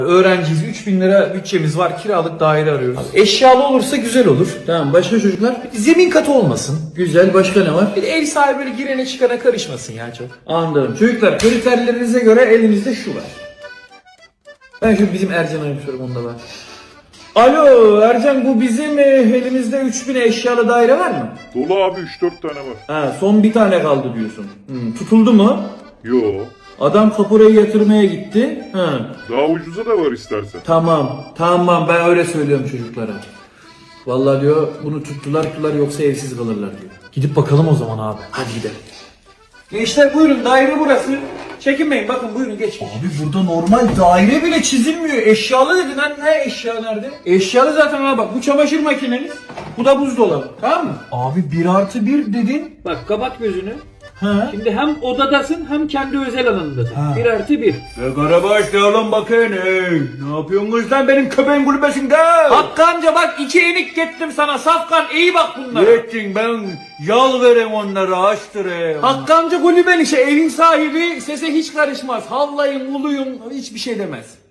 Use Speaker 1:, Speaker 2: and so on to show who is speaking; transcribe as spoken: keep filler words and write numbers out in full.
Speaker 1: Öğrenciyiz, üç bin lira bütçemiz var, kiralık daire arıyoruz. Abi, eşyalı olursa güzel olur.
Speaker 2: Tamam, başka çocuklar?
Speaker 1: Zemin katı olmasın.
Speaker 2: Güzel, başka ne var?
Speaker 1: Bir de ev sahibi böyle girene çıkana karışmasın ya çok.
Speaker 2: Anladım. Çocuklar, kriterlerinize göre elimizde şu var. Ben şu bizim Ercan'a bir sorum, onda var. Alo Ercan, bu bizim e, elimizde üç bin eşyalı daire var mı?
Speaker 3: Dolu abi üç dört tane var.
Speaker 2: Ha, son bir tane kaldı diyorsun. Hmm, tutuldu mu?
Speaker 3: Yo.
Speaker 2: Adam kapurayı yatırmaya gitti. Ha.
Speaker 3: Daha ucuza da var istersen.
Speaker 2: Tamam, tamam, ben öyle söylüyorum çocuklara. Vallahi diyor, bunu tuttular tuttular yoksa evsiz kalırlar diyor.
Speaker 1: Gidip bakalım o zaman abi. Hadi gidelim.
Speaker 2: Gençler buyurun, daire burası. Çekinmeyin, bakın buyurun, geç.
Speaker 1: Abi burada normal daire bile çizilmiyor. Eşyalı dedin lan, ne eşya nerede?
Speaker 2: Eşyalı zaten ha, bak bu çamaşır makineniz, bu da buzdolabı, tamam mı?
Speaker 1: Abi bir artı bir dedin.
Speaker 4: Bak kapat gözünü.
Speaker 1: Ha.
Speaker 4: Şimdi hem odadasın hem kendi özel alanındasın.
Speaker 1: Ha.
Speaker 4: Bir artı bir.
Speaker 2: Ve Karabaş ne lan bakayım, hey. Ne yapıyorsunuz lan benim köpeğin kulübesinde?
Speaker 1: Hakkı amca bak iki enik gettim sana Safkan, iyi bak bunlara.
Speaker 2: Yettin, ben yal vereyim onlara, açtırayım.
Speaker 1: Hakkı amca kulüben işe, evin sahibi, sese hiç karışmaz. Havlayın, uluyun, hiçbir şey demez.